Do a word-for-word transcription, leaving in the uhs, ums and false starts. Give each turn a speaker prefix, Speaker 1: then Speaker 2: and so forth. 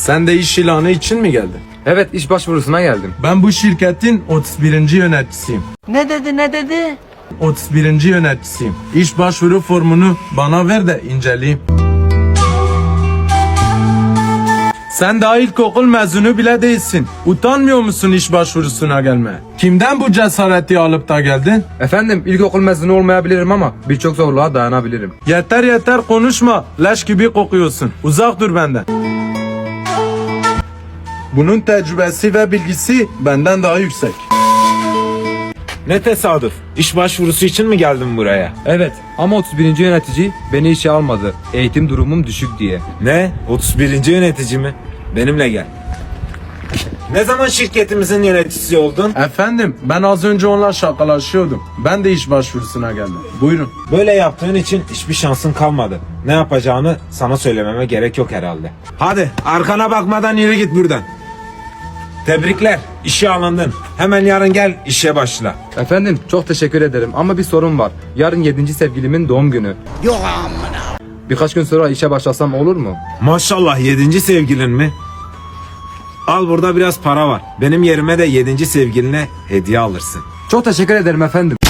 Speaker 1: Sen de iş ilanı için mi geldin?
Speaker 2: Evet, iş başvurusuna geldim.
Speaker 1: Ben bu şirketin otuz birinci yöneticisiyim.
Speaker 3: Ne dedi ne dedi?
Speaker 1: otuz birinci yöneticisiyim. İş başvuru formunu bana ver de inceleyeyim. Sen daha ilkokul mezunu bile değilsin. Utanmıyor musun iş başvurusuna gelmeye? Kimden bu cesareti alıp da geldin?
Speaker 2: Efendim, ilkokul mezunu olmayabilirim ama birçok zorluğa dayanabilirim.
Speaker 1: Yeter yeter konuşma. Leş gibi kokuyorsun. Uzak dur benden. Bunun tecrübesi ve bilgisi benden daha yüksek.
Speaker 4: Ne tesadüf. İş başvurusu için mi geldin buraya?
Speaker 2: Evet, ama otuz birinci yönetici beni işe almadı. Eğitim durumum düşük diye.
Speaker 4: Ne? otuz birinci yönetici mi? Benimle gel. Ne zaman şirketimizin yöneticisi oldun?
Speaker 1: Efendim ben az önce onunla şakalaşıyordum. Ben de iş başvurusuna geldim. Buyurun.
Speaker 4: Böyle yaptığın için hiçbir şansın kalmadı. Ne yapacağını sana söylememe gerek yok herhalde. Hadi arkana bakmadan yürü git buradan. Tebrikler, işe alındın. Hemen yarın gel işe başla.
Speaker 2: Efendim, çok teşekkür ederim ama bir sorun var. Yarın yedinci sevgilimin doğum günü.
Speaker 3: Yok amına.
Speaker 2: Birkaç gün sonra işe başlasam olur mu?
Speaker 4: Maşallah yedinci sevgilin mi? Al burada biraz para var. Benim yerime de yedinci sevgiline hediye alırsın.
Speaker 2: Çok teşekkür ederim efendim.